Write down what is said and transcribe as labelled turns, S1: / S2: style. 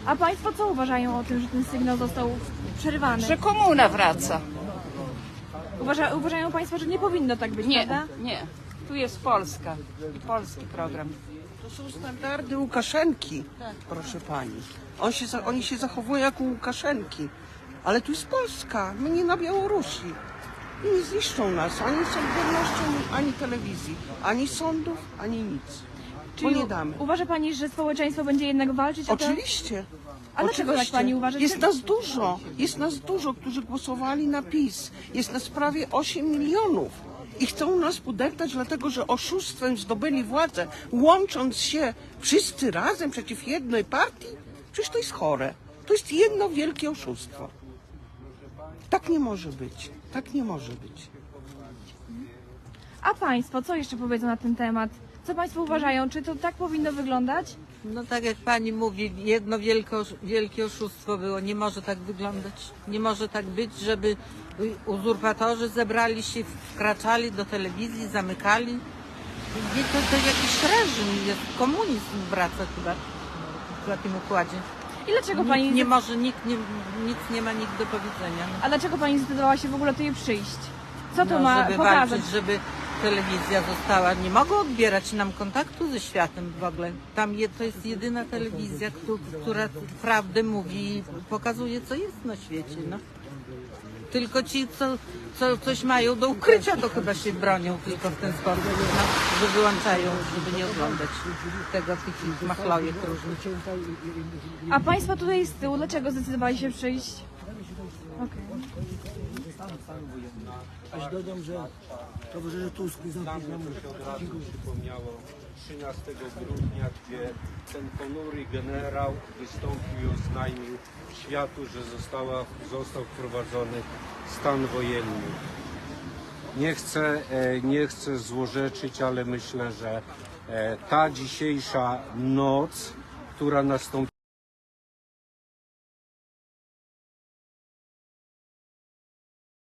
S1: A Państwo co uważają o tym, że ten sygnał został przerywany?
S2: Że komuna wraca.
S1: Uważają Państwo, że nie powinno tak być,
S2: Nie,
S1: prawda?
S2: nie. Tu jest Polska i polski program.
S3: To są standardy Łukaszenki, proszę pani. Oni się zachowują jak u Łukaszenki. Ale tu jest Polska, my nie na Białorusi. I nie zniszczą nas ani Solidarnością, ani telewizji, ani sądów, ani nic. Bo nie damy.
S1: Uważa Pani, że społeczeństwo będzie jednak walczyć o to?
S3: Oczywiście.
S1: A dlaczego tak Pani uważa?
S3: Jest nas dużo. Jest nas dużo, którzy głosowali na PiS. Jest nas prawie 8 milionów. I chcą nas podeptać, dlatego że oszustwem zdobyli władzę, łącząc się wszyscy razem przeciw jednej partii? Przecież to jest chore. To jest jedno wielkie oszustwo. Tak nie może być. Tak nie może być.
S1: A Państwo co jeszcze powiedzą na ten temat? Co Państwo uważają? Czy to tak powinno wyglądać?
S4: No tak jak pani mówi, jedno wielkie oszustwo było. Nie może tak wyglądać. Nie może tak być, żeby uzurpatorzy zebrali się, wkraczali do telewizji, zamykali. Nie, to jakiś reżim jest, komunizm wraca chyba w takim układzie.
S1: I dlaczego Pani...
S4: Nie może, nic nie ma nikt do powiedzenia. No.
S1: A dlaczego Pani zdecydowała się w ogóle tutaj przyjść? Co to
S4: No,
S1: ma
S4: żeby
S1: pokazać?
S4: walczyć, żeby telewizja została, nie mogą odbierać nam kontaktu ze światem w ogóle. To jest jedyna telewizja, która prawdę mówi i pokazuje, co jest na świecie. No. Tylko ci, co coś mają do ukrycia, to chyba się bronią tylko w ten sposób, no, że wyłączają, żeby nie oglądać tych machlojek różnych.
S1: A Państwo tutaj z tyłu, dlaczego zdecydowali się przyjść? Okej.
S5: Aż dodam, że towarzysze Tusk nie zamknął nam
S6: Dziękuję. Przypomniało 13 grudnia, gdzie ten ponury generał wystąpił i oznajmił światu, że został wprowadzony stan wojenny. Nie chcę złorzeczyć, ale myślę, że ta dzisiejsza noc, która nastąpi